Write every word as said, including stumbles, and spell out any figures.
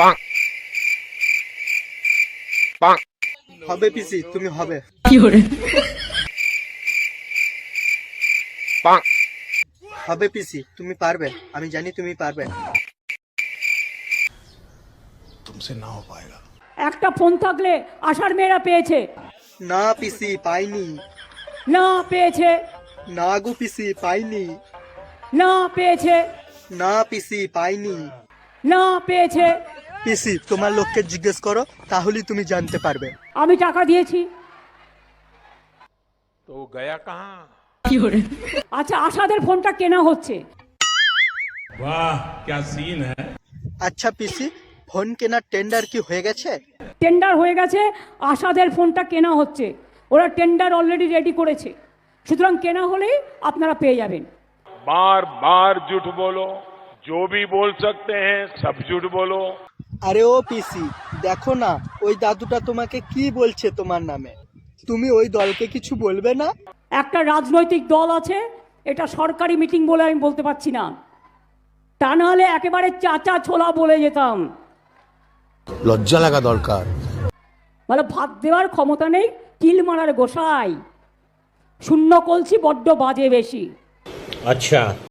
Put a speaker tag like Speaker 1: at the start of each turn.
Speaker 1: হবে পিসি, তুমি হবে। হবে পিসি, তুমি পারবে, আমি জানি তুমি পারবে।
Speaker 2: तुमसे ना हो पाएगा।
Speaker 3: একটা ফোন থাকলে আশার মেয়েরা পেয়েছে।
Speaker 1: না পিসি, পাইনি।
Speaker 3: না পেয়েছে,
Speaker 1: না গো পিসি, পাইনি।
Speaker 3: না পেয়েছে,
Speaker 1: না পিসি, পাইনি।
Speaker 3: না পেয়েছে।
Speaker 1: পিসি, তোমার লোককে জিজ্ঞেস করো, তাহলেই তুমি জানতে পারবে।
Speaker 3: আমি টাকা দিয়েছি।
Speaker 4: तो वो गया कहाँ?
Speaker 3: আচ্ছা, আশাদের ফোনটা কেনা হচ্ছে।
Speaker 5: वाह क्या सीन है।
Speaker 1: আচ্ছা পিসি, ফোন কেনার টেন্ডার কি হয়ে গেছে?
Speaker 3: টেন্ডার হয়ে গেছে, আশাদের ফোনটা কেনা হচ্ছে। ওরা টেন্ডার অলরেডি রেডি করেছে, সুতরাং কেনা হলেই আপনারা পেয়ে যাবেন।
Speaker 4: बार बार झूठ बोलो, जो भी बोल सकते हैं सब झूठ बोलो।
Speaker 1: আরে ও পিসি, দেখো না ওই দাদুটা তোমাকে কি বলছে তোমার নামে। তুমি ওই দলকে কিছু বলবে না?
Speaker 3: একটা রাজনৈতিক দল আছে, এটা সরকারি মিটিং বলে আমি বলতে পারছি না, তা নাহলে একেবারে চাচা ছোলা বলে যেতাম।
Speaker 2: লজ্জা লাগা দরকার।
Speaker 3: মানে ভাত দেওয়ার ক্ষমতা নেই, কিল মারার গোসাই। শূন্য কলসি বড্ড বাজে বেশি।
Speaker 6: अच्छा